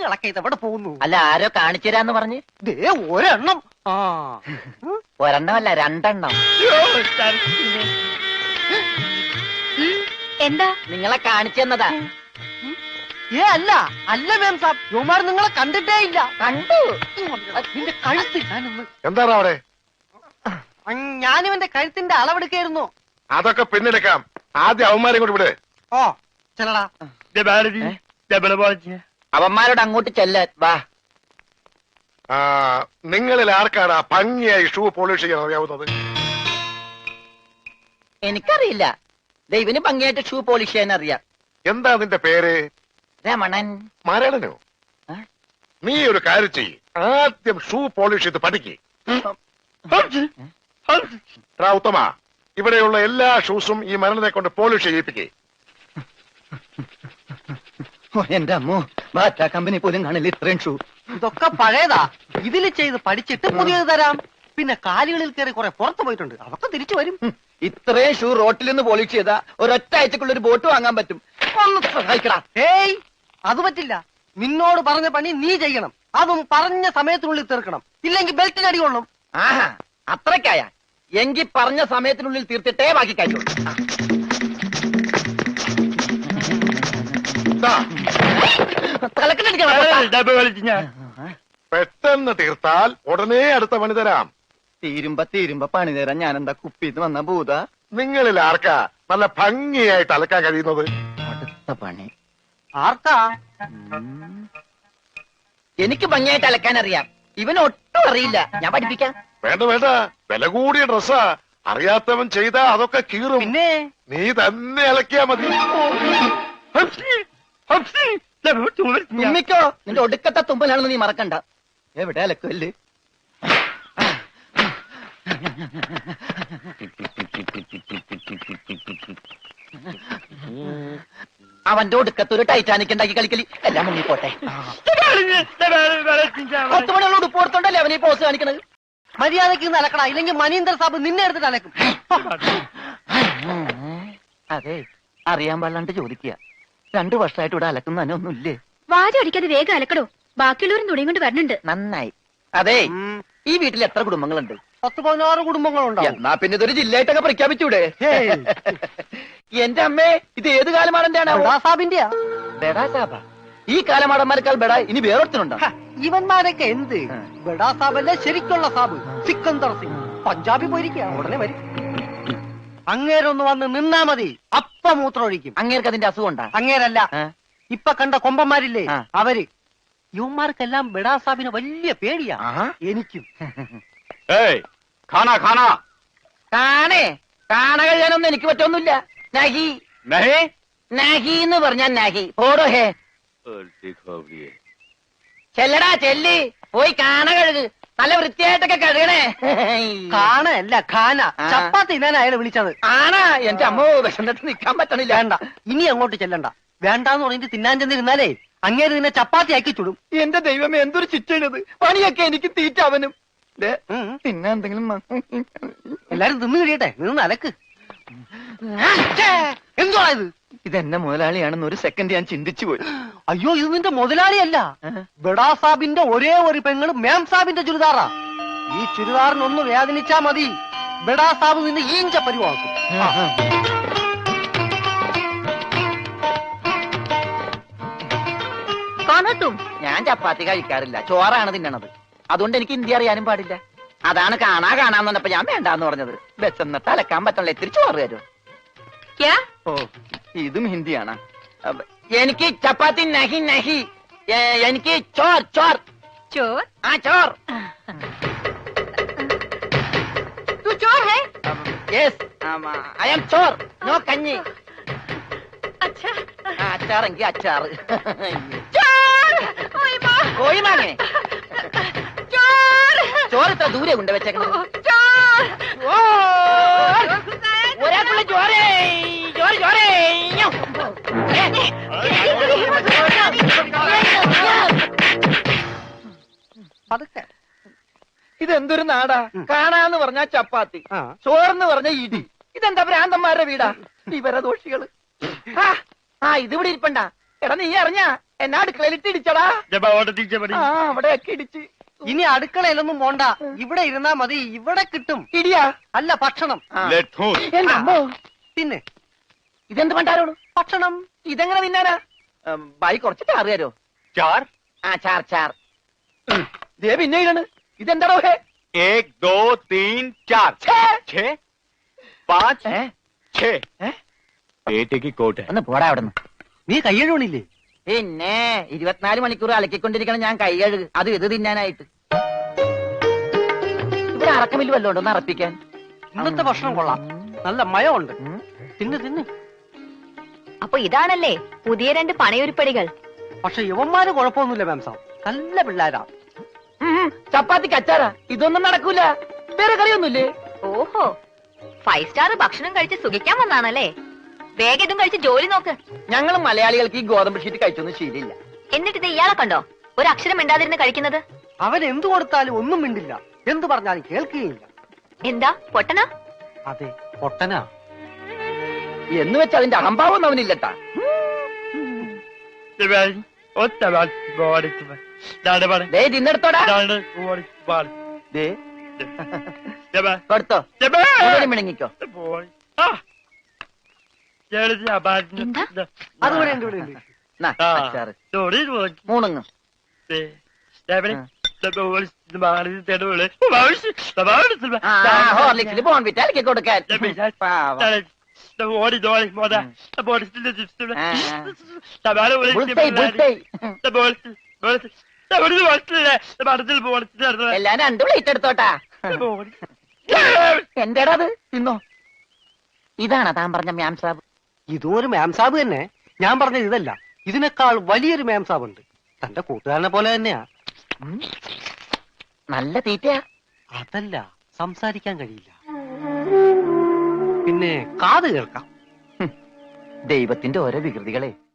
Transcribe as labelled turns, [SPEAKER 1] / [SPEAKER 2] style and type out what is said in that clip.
[SPEAKER 1] കുട്ടികളൊക്കെ ഇതെവിടെ പോകുന്നു?
[SPEAKER 2] അല്ല, ആരോ കാണിച്ചു തരാന്ന് പറഞ്ഞ്.
[SPEAKER 1] ദേ ഒരെണ്ണം. ആ
[SPEAKER 2] ഒരെണ്ണമല്ല, രണ്ടെണ്ണം.
[SPEAKER 3] എന്താ?
[SPEAKER 2] നിങ്ങളെ കാണിച്ചു തന്നതാ.
[SPEAKER 1] അല്ല അല്ല മാം സാബ്, യുവമാർ നിങ്ങളെ കണ്ടിട്ടേ ഇല്ല.
[SPEAKER 2] കണ്ടു.
[SPEAKER 1] നിന്റെ കഴുത്ത് ഞാനൊന്ന്.
[SPEAKER 4] എന്താണ് അവിടെ?
[SPEAKER 1] ഞാനിവന്റെ കഴുത്തിന്റെ അളവെടുക്കായിരുന്നു.
[SPEAKER 4] അതൊക്കെ പിന്നിലേക്കാം. ആദ്യം അവന്മാരെ കൊണ്ട് വിട്.
[SPEAKER 1] ഓ ചെല്ലടാ.
[SPEAKER 2] അവന്മാരോട് അങ്ങോട്ട് ചെല്ലാൻ വാ.
[SPEAKER 4] നിങ്ങളിൽ ആർക്കാണ് ആ ഭംഗിയായി ഷൂ പോളിഷ് ചെയ്യാൻ അറിയാവുന്നത്?
[SPEAKER 2] എനിക്കറിയില്ല. ദൈവന് ഭംഗിയായിട്ട് ഷൂ പോളിഷ് ചെയ്യാൻ അറിയാം.
[SPEAKER 4] എന്താ നിന്റെ പേര്?
[SPEAKER 2] രമണൻ.
[SPEAKER 4] മരണനോ? നീ ഒരു കാര്യം ചെയ്യ്, ആദ്യം ഷൂ പോളിഷ് ചെയ്ത് പഠിക്ക്. ഉത്തമ, ഇവിടെയുള്ള എല്ലാ ഷൂസും ഈ മരണനെ കൊണ്ട് പോളിഷ് ചെയ്യിപ്പിക്കേ.
[SPEAKER 2] എന്റെ അമ്മോ, ബാറ്റ കമ്പനി പോലും കാണില്ല ഇത്രയും ഷൂ.
[SPEAKER 1] ഇതൊക്കെ പഴയതാ. ഇതിൽ ചെയ്ത് പഠിച്ചിട്ട് പുതിയത് തരാം. പിന്നെ കാലുകളിൽ കയറി കുറെ പുറത്തു പോയിട്ടുണ്ട്, അതൊക്കെ തിരിച്ചു വരും.
[SPEAKER 2] ഇത്രയും ഷൂ റോട്ടിൽ നിന്ന് പോളിഷ് ചെയ്താ ഒരൊറ്റ ആഴ്ചക്കുള്ള ഒരു ബോട്ട് വാങ്ങാൻ പറ്റും. ഒന്ന് സഹായിക്കടാ.
[SPEAKER 1] ഏയ് അത് പറ്റില്ല. നിന്നോട് പറഞ്ഞ പണി നീ ചെയ്യണം. അതും പറഞ്ഞ സമയത്തിനുള്ളിൽ തീർക്കണം. ഇല്ലെങ്കിൽ ബെൽറ്റിന് അടി കൊള്ളും.
[SPEAKER 2] ആഹാ, അത്രക്കായ എങ്കിൽ പറഞ്ഞ സമയത്തിനുള്ളിൽ തീർത്തിട്ടേ ബാക്കി കഴിയുള്ളൂ.
[SPEAKER 4] പെട്ടെന്ന് തീർത്താൽ ഉടനെ അടുത്ത പണി തരാം.
[SPEAKER 2] തീരുമ്പ പണി തരാൻ ഞാൻ എന്താ കുപ്പിന്ന് വന്ന ഭൂത?
[SPEAKER 4] നിങ്ങളിൽ ആർക്കാ നല്ല ഭംഗിയായിട്ട് അലക്കാൻ കഴിയുന്നത്?
[SPEAKER 2] അടുത്ത പണി
[SPEAKER 1] ആർക്കാ?
[SPEAKER 2] എനിക്ക് ഭംഗിയായിട്ട് അലക്കാൻ അറിയാം. ഇവന് ഒട്ടും അറിയില്ല. ഞാൻ പഠിപ്പിക്കാം.
[SPEAKER 4] വേണ്ട വേണ്ട, വില കൂടിയ ഡ്രസ്സാ. അറിയാത്തവൻ ചെയ്താ അതൊക്കെ കീറും.
[SPEAKER 1] പിന്നെ
[SPEAKER 4] നീ തന്നെ അലക്കിയാ മതി.
[SPEAKER 2] തുമ്മിക്കോ, നിന്റെ ഒടുക്കത്തെ തുമ്പലാണെന്ന് നീ മറക്കണ്ട. എവിടെ അലക്കല്ലേ? അവന്റെ ഒടുക്കത്ത് ഒരു ടൈറ്റാനിക് ഉണ്ടാക്കി കളിക്കലി. എല്ലാം മുങ്ങിപ്പോട്ടെ. 10 മണിയുള്ള ഉടുപ്പ് കൊടുത്തോണ്ടല്ലേ അവനീ പോസ് കാണിക്കണത്.
[SPEAKER 1] മര്യാദക്ക് ഇന്ന് അലക്കടാ, ഇല്ലെങ്കിൽ മനീന്ദർ സാബ് നിന്നെ എടുത്തിട്ട് അലക്കും.
[SPEAKER 2] അതെ, അറിയാൻ പാടില്ലാണ്ട് ചോദിക്കുക. 2 വർഷമായിട്ട് ഇവിടെ അലക്കുന്ന ഒന്നുമില്ലേ?
[SPEAKER 3] വാചടിക്കാതെ വേഗം അലക്കടോ, ബാക്കിയുള്ളവരും തുണിയും കൊണ്ട് വരണുണ്ട്.
[SPEAKER 2] നന്നായി. അതെ, ഈ വീട്ടിൽ എത്ര കുടുംബങ്ങളുണ്ട്?
[SPEAKER 1] 10-16 കുടുംബങ്ങളുണ്ടാവും.
[SPEAKER 2] എന്നാ പിന്നെ ഇതൊരു ജില്ലയായിട്ടൊക്കെ പ്രഖ്യാപിച്ചൂടെ? എന്റെ അമ്മേ, ഇത് ഏത് കാലമാടന്റെയാണ്?
[SPEAKER 1] സാബിന്റെയാ.
[SPEAKER 2] ബെഡാ സാബ. ഈ കാലമാടന്മാരെക്കാൾ ബെഡാ ഇനി വേറൊരുത്തനുണ്ടോ?
[SPEAKER 1] ഇവന്മാരൊക്കെ എന്ത്? ബഡാ സാബല്ലേ ശരിക്കുള്ള സാബ്, സിക്കന്ദർ സിംഗ്. പഞ്ചാബി പോയിരിക്കുക, ഉടനെ വരും. അങ്ങേരൊന്ന് വന്ന് നിന്നാ മതി, അപ്പ മൂത്രം ഒഴിക്കും.
[SPEAKER 2] അങ്ങേർക്ക് അതിന്റെ അസുഖം ഉണ്ടാ?
[SPEAKER 1] അങ്ങേരല്ല, ഇപ്പൊ കണ്ട കൊമ്പന്മാരില്ലേ അവര്. യുവന്മാർക്കെല്ലാം ബഡാ സാബിന് വലിയ പേടിയാ. എനിക്കും.
[SPEAKER 2] കാണേ, കാണ കഴിയാനൊന്നും എനിക്ക് പറ്റൊന്നുമില്ല. നഹി നഹി എന്ന് പറഞ്ഞാൽ നഹി. ഓടോ ഹേ, ചെല്ലടാ ചെല്ലി, പോയി കാണ കഴുക്. നല്ല വൃത്തിയായിട്ടൊക്കെ കഴുകണേ.
[SPEAKER 1] കാണല്ല ഖാന. ചപ്പാത്തി ഞാൻ അയാളെ വിളിച്ചത്.
[SPEAKER 2] ആണാ? എന്റെ അമ്മോ, വിശന്നിട്ട് നിക്കാൻ പറ്റണില്ല.
[SPEAKER 1] വേണ്ട, ഇനി അങ്ങോട്ട് ചെല്ലണ്ട. വേണ്ടാന്ന് പറഞ്ഞിട്ട് തിന്നാൻ ചെന്നിരുന്നാലേ അങ്ങേര് നിന്നെ ചപ്പാത്തി ആക്കി ചുടും.
[SPEAKER 2] എന്റെ ദൈവമേ, എന്തൊരു ചിറ്റണത്. പണിയൊക്കെ എനിക്ക് തീറ്റ അവനും. പിന്നെ എന്തെങ്കിലും
[SPEAKER 1] എല്ലാരും തിന്നു കഴിയട്ടെ, നിന്ന് അലക്ക്. എന്തുവാ ഇത്?
[SPEAKER 2] ഇതെന്നെ മുതലാളിയാണെന്ന് ഒരു സെക്കൻഡ് ഞാൻ ചിന്തിച്ചു പോയി.
[SPEAKER 1] അയ്യോ, ഇത് നിന്റെ മുതലാളിയല്ല, ബഡാ സാബിന്റെ ഒരേ ഒരു പെങ്ങള് മാം സാബിന്റെ ചുരിദാറാ. ഈ ചുരിദാറിനൊന്ന് വേദനിച്ചാ മതി, ബഡാ സാബ് നിന്നെ ഈഞ്ച പരിവാക്കും.
[SPEAKER 2] ഞാൻ ചപ്പാത്തി കഴിക്കാറില്ല, ചോറാണ് തിന്നണത്. അതുകൊണ്ട് എനിക്ക് ഹിന്ദി അറിയാനും പാടില്ല. അതാണ് കാണാന്ന് പറഞ്ഞപ്പോ ഞാൻ വേണ്ടാന്ന് പറഞ്ഞത്. ബെച്ചെന്നിട്ട് അലക്കാൻ പറ്റണല്ലോ, ഇത്തിരി ചോറ് തരുമോ? ഓ, ഇതും ഹിന്ദിയാണ്. എനിക്ക് ചപ്പാത്തി നഹി നഹി, എനിക്ക് ചോർ ചോർ
[SPEAKER 3] ചോർ.
[SPEAKER 2] ആ ചോർ.
[SPEAKER 3] तू चोर है?
[SPEAKER 2] യെസ്, ഐ ആം ചോർ. നോ കഞ്ഞി.
[SPEAKER 3] अच्छा,
[SPEAKER 2] അച്ചാറെങ്കിൽ അച്ചാറ്.
[SPEAKER 3] चोर. ओए माँ.
[SPEAKER 2] കോഴി മാങ്ങേ.
[SPEAKER 3] चोर.
[SPEAKER 2] ചോറ് ഇത്ര ദൂരെ കൊണ്ട് വെച്ചേക്കണത്.
[SPEAKER 3] चोर.
[SPEAKER 2] ഒരാൾക്കുള്ള ചോരേ, ചോറ് ചോരേ.
[SPEAKER 1] പതുക്കെ.
[SPEAKER 2] ഇതെന്തൊരു നാടാ? കാണാന്ന് പറഞ്ഞാ ചപ്പാത്തി, ചോറെന്ന് പറഞ്ഞ ഇടി. ഇതെന്താ ഭ്രാന്തന്മാരുടെ വീടാ? വിവരദോഷികള്. ഇതിവിടെ ഇരിപ്പണ്ട. എടാ, നീ അറിഞ്ഞാ എന്നാ അടുക്കളയിലിട്ട് ഇടിച്ചടാ. ആ അവിടെയൊക്കെ ഇടിച്ച്.
[SPEAKER 1] ഇനി അടുക്കളയിലൊന്നും പോണ്ട, ഇവിടെ ഇരുന്നാ മതി, ഇവിടെ കിട്ടും.
[SPEAKER 2] ഇടിയാ?
[SPEAKER 1] അല്ല, ഭക്ഷണം.
[SPEAKER 2] ആ.
[SPEAKER 4] ലെറ്റ്
[SPEAKER 2] എന്റെ അമ്മോ,
[SPEAKER 1] പിന്നെ
[SPEAKER 2] ഇതെന്ത് പണ്ടാരോട്?
[SPEAKER 1] ഭക്ഷണം.
[SPEAKER 2] ഇതെങ്ങനെ തിന്നാനാ? ബായി കുറച്ച് ചാറ് തരോ?
[SPEAKER 4] चार
[SPEAKER 2] ആ ചാർ ചാർ. ദേ പിന്നെ ഇതാണ്. ഇതെന്താടോ ഹേ?
[SPEAKER 4] 1 2 3 4 6 5 6 बेटे की कोट है
[SPEAKER 2] ഒന്ന് പോടാ അവിടെ നിന്ന്.
[SPEAKER 1] നീ കയ്യഴുണില്ലേ?
[SPEAKER 2] പിന്നെ 24 മണിക്കൂർ അലക്കിക്കൊണ്ടിരിക്കണം ഞാൻ കൈ കഴുകു, അത് ഇത് തിന്നാനായിട്ട്. ഇവിടെ അറക്കമില്ല വല്ലോണ്ടോ ഒന്ന് അറപ്പിക്കാൻ?
[SPEAKER 1] ഇന്നത്തെ ഭക്ഷണം കൊള്ളാം, നല്ല മയമുണ്ട്. തിന്ന് തിന്ന്.
[SPEAKER 3] അപ്പൊ ഇതാണല്ലേ പുതിയ 2 പണയുരുപ്പടികൾ.
[SPEAKER 1] പക്ഷെ യുവന്മാര് കുഴപ്പമൊന്നുമില്ല മാംസം, നല്ല പിള്ളേരാ.
[SPEAKER 2] ചപ്പാത്തിക്ക് അച്ചാറാ? ഇതൊന്നും നടക്കൂല. വേറെ കറിയൊന്നുമില്ലേ?
[SPEAKER 3] ഓഹോ, 5 സ്റ്റാർ ഭക്ഷണം കഴിച്ച് സുഖിക്കാൻ വന്നാണല്ലേ? വേഗം ഇതും കഴിച്ച് ജോലി നോക്ക്.
[SPEAKER 2] ഞങ്ങൾ മലയാളികൾക്ക് ഈ ഗോതമ്പ് ഷീറ്റ് കഴിച്ചൊന്നും ശീലില്ല.
[SPEAKER 3] എന്നിട്ട് ഇത് ഇയാളെ കണ്ടോ ഒരു അക്ഷരം മിണ്ടാതിരുന്ന് കഴിക്കുന്നത്?
[SPEAKER 1] അവൻ എന്തു കൊടുത്താലും ഒന്നും മിണ്ടില്ല, എന്തു പറഞ്ഞാലും കേൾക്കുകയില്ല.
[SPEAKER 3] എന്താ പൊട്ടനാ?
[SPEAKER 1] അതെ, പൊട്ടനാ.
[SPEAKER 2] എന്ന് വെച്ച് അതിന്റെ അഹംഭാവം അവനില്ലട്ടാ. ദേ തിന്നെടുത്തോടാ. ദേ കൊടുത്തോ, മുഴുവനും മിണങ്ങിക്കോ.
[SPEAKER 3] എന്താ?
[SPEAKER 1] അതുകൂടെ ഉണ്ട്, ഇവിടെ ഉണ്ട്.
[SPEAKER 2] നാ, അച്ചാറ്. മൂണുങ്ങ്. ഹോർലിക്സിൽ ബോൺവിറ്റ അലക്കി കൊടുക്കാൻ. പാവം. Bullseye, bullseye. എല്ലാം 2 പ്ലേറ്റ് എടുത്തോട്ടാ. എന്റേടാ അത്? തിന്നോ. ഇതാണ് താൻ പറഞ്ഞ മ്യാം സാബ്.
[SPEAKER 1] ഇതും ഒരു മാംസാബ് തന്നെ. ഞാൻ പറഞ്ഞത് ഇതല്ല, ഇതിനേക്കാൾ വലിയൊരു മാംസാബ് ഉണ്ട്. തന്റെ കൂട്ടുകാരനെ പോലെ തന്നെയാ.
[SPEAKER 2] നല്ല തീറ്റയാ.
[SPEAKER 1] അതല്ല, സംസാരിക്കാൻ കഴിയില്ല, പിന്നെ കാത് കേൾക്കാം.
[SPEAKER 2] ദൈവത്തിന്റെ ഓരോ വികൃതികളെ.